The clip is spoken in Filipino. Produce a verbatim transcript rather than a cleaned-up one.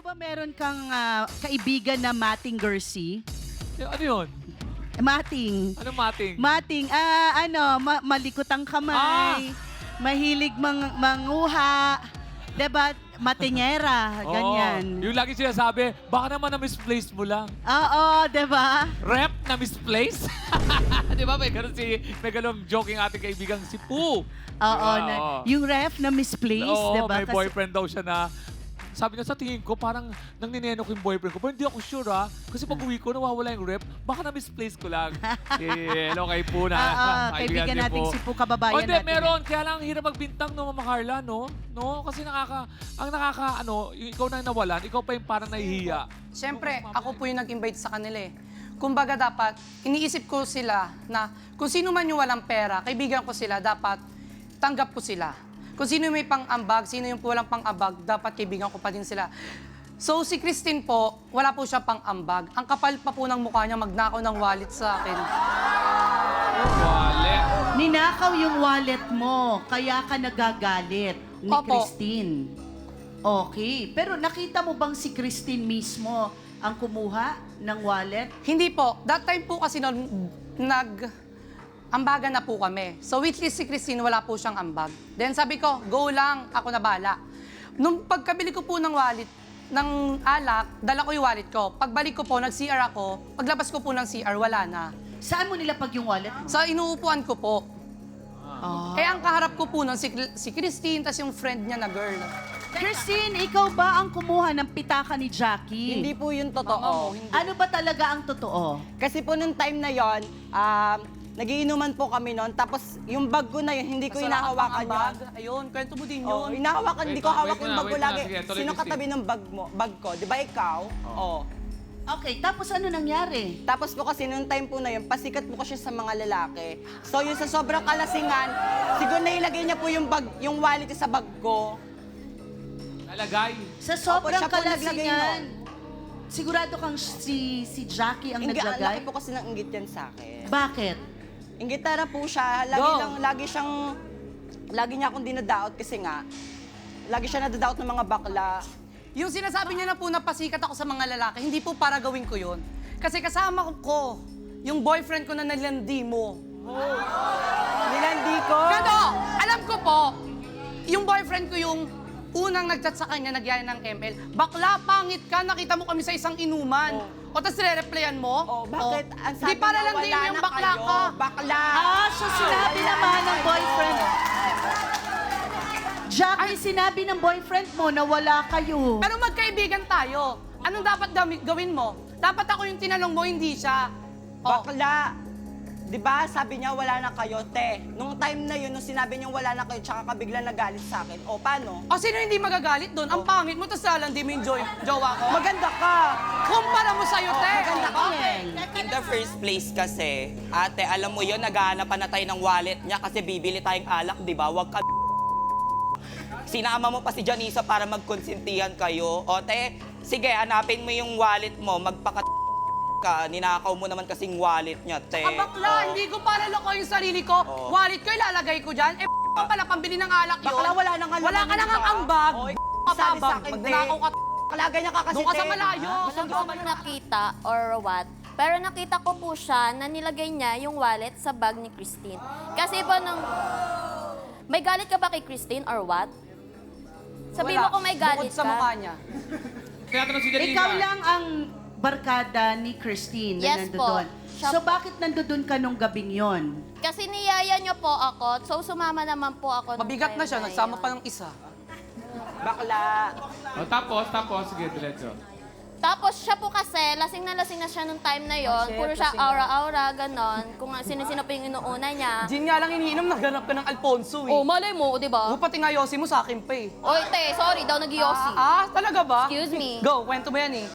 ba meron kang ah, kaibigan na Mating Gersi? Eh, ano yun? Mating. Ano mating? Mating, ah, ano, ma- malikot ang kamay, mahilig mang manguha, diba? Matingera, Oo. ganyan. Yung lagi sinasabi, baka naman na-misplace mo lang. Oo, diba? Rep na misplace? Di ba? May ganun si, may ganun joking ating kaibigang si Poo. Oo, Diba? na, Oo. yung ref na misplaced, Oo, diba? may Kasi- boyfriend daw siya na, sabi niya sa tingin ko, parang nang nineno ko yung boyfriend ko. Pero hindi ako sure ha. Kasi pag uwi ko, nawawala yung rep. Baka na-misplace ko lang. Eh, hello kay Poo na. Oo, kaibigan natin si Poo, kababayan Oh, hindi, natin. meron. Kaya lang hirap magbintang, no, Mama Carla, no? No? Kasi nakaka, ang nakaka, ano, yung ikaw na nawalan, ikaw pa yung parang nahihiya. Siyempre, ako po yung nag-invite sa kanila eh. Kumbaga dapat, iniisip ko sila na kung sino man yung walang pera, kaibigan ko sila, dapat tanggap ko sila. Kung sino may pang-ambag, sino yung walang pang-ambag, dapat kaibigan ko pa din sila. So si Christine po, wala po siya pang-ambag. Ang kapal pa po ng mukha niya magnakaw ng wallet sa akin. Wale. Ninakaw yung wallet mo, kaya ka nagagalit ni Opo. Christine. Okay. Pero nakita mo bang si Christine mismo ang kumuha ng wallet? Hindi po. That time po kasi nun, nag... Ambagan na po kami. So with si Christine, wala po siyang ambag. Then sabi ko, go lang, ako na bala. Nung pagkabili ko po ng wallet, ng alak, dala ko yung wallet ko. Pagbalik ko po, nag-C R ako. Paglabas ko po ng C R, wala na. Saan mo nilapag yung wallet mo? Sa inuupuan ko po. Ah. Eh, ang kaharap ko po nun, si, si Christine, tas yung friend niya na girl. Christine, ikaw ba ang kumuha ng pitaka ni Jackie? Hindi po yun Mama mo, totoo. hindi. Ano ba talaga ang totoo? Kasi po nung time na yon, um, nagiinuman po kami noon. Tapos yung bag ko na yun, hindi ko Tas wala ka hinahawakan pang ambag. yun. Ayun, kwento mo din Oh, yun. hinahawakan, hindi Wait ko lang, hawak wait yung na, bag ko wait na. lagi. Sige, tuloy, Sino Christine. katabi ng bag mo? Bag ko, di ba ikaw? Oh. Okay, tapos ano nangyari? Tapos po kasi nung time po na yun, pasikat po kasi sa mga lalaki. So yung sa sobrang kalasingan, siguro nailagay niya po yung bag, yung wallet sa bag ko. Nalagay. Sa sobrang siya po naglagay kalasingan, sigurado kang si si Jackie ang Inggi, ang laki naglagay? po kasi ng inggit yan sa akin. Bakit? Inggitara po siya, lagi Go. lang, lagi siyang, lagi niya akong dinadaot kasi nga, lagi siya nadadaot ng mga bakla. Yung sinasabi niya na po na pasikat ako sa mga lalaki, hindi po para gawin ko yun. Kasi kasama ko ko, yung boyfriend ko na nalandi mo. Nilandi ko. Pero, alam ko po, yung boyfriend ko yung unang nag-chat sa kanya, nagyaya ng M L. Bakla, pangit ka, nakita mo kami sa isang inuman. O, tapos re-replyan mo? Oh, bakit? O, Ang sabi di para niya, lang din wala mo yung na bakla kayo. ka. Bakla. Ah, so sinabi naman ng boyfriend. Jackie, sinabi ng boyfriend mo na wala kayo. Pero magkaibigan tayo. Anong dapat gami- gawin mo? Dapat ako yung tinanong mo, hindi siya. O, Bakla. Di ba, sabi niya wala na kayo, te. Nung time na yun, nung sinabi niya wala na kayo, tsaka ka biglang nagalit sa akin. O, paano? o sino hindi magagalit doon? Ang pangit mo, tapos lalandi mo yung joy- jowa ko. Maganda ka. Kumpara mo sa'yo, te. maganda ka. In the first place kasi, ate, alam mo yun, naghahanap na tayo ng wallet niya kasi bibili tayong alak, di ba? Huwag ka sinama mo pa si Janisa para magkonsintihan kayo. O, te, sige, hanapin mo yung wallet mo, magpaka ka, ninakaw mo naman kasing wallet niya, te. Ah, bakla, O. hindi ko para loko yung sarili ko. Oo. Wallet ko, ilalagay ko dyan. Eh, pa pala, pambili ng alak yun. Bakla, wala nang Wala ka nang ambag. O, Ka sabi pa, sa akin, te. magnakaw ka. Bakla, ganyan ka kasi, Doon ka sa te. malayo. Wala ko akong nakita or what. Pero nakita ko po siya na nilagay niya yung wallet sa bag ni Christine. Kasi po nung... May galit ka ba kay Christine or what? Sabi Wala. mo kung may galit Bukod sa ka. mukha niya. Kaya tanong si Janina. Ikaw lang ang barkada ni Christine na Yes nandoon. po. Siya So po. bakit nandoon ka nung gabing yon? Kasi niyaya niyo po ako, so sumama naman po ako. nung Mabigat na time siya, nagsama yun. pa ng isa. Bakla. O, tapos, tapos, sige, diretso. Tapos siya po kasi, lasing na lasing na siya nung time na yon. shit, Puro siya lasing na. aura-aura, ganon. Kung sino-sino po yung inuuna niya. Gin nga lang iniinom, naghanap ka ng Alfonso eh. Oh, malay mo, di ba? O, pati nga yosi mo sa akin pa eh. Oy, te, sorry daw, nag-yossi. Ah, ah, talaga ba? Excuse me. Go, kwento mo yan eh.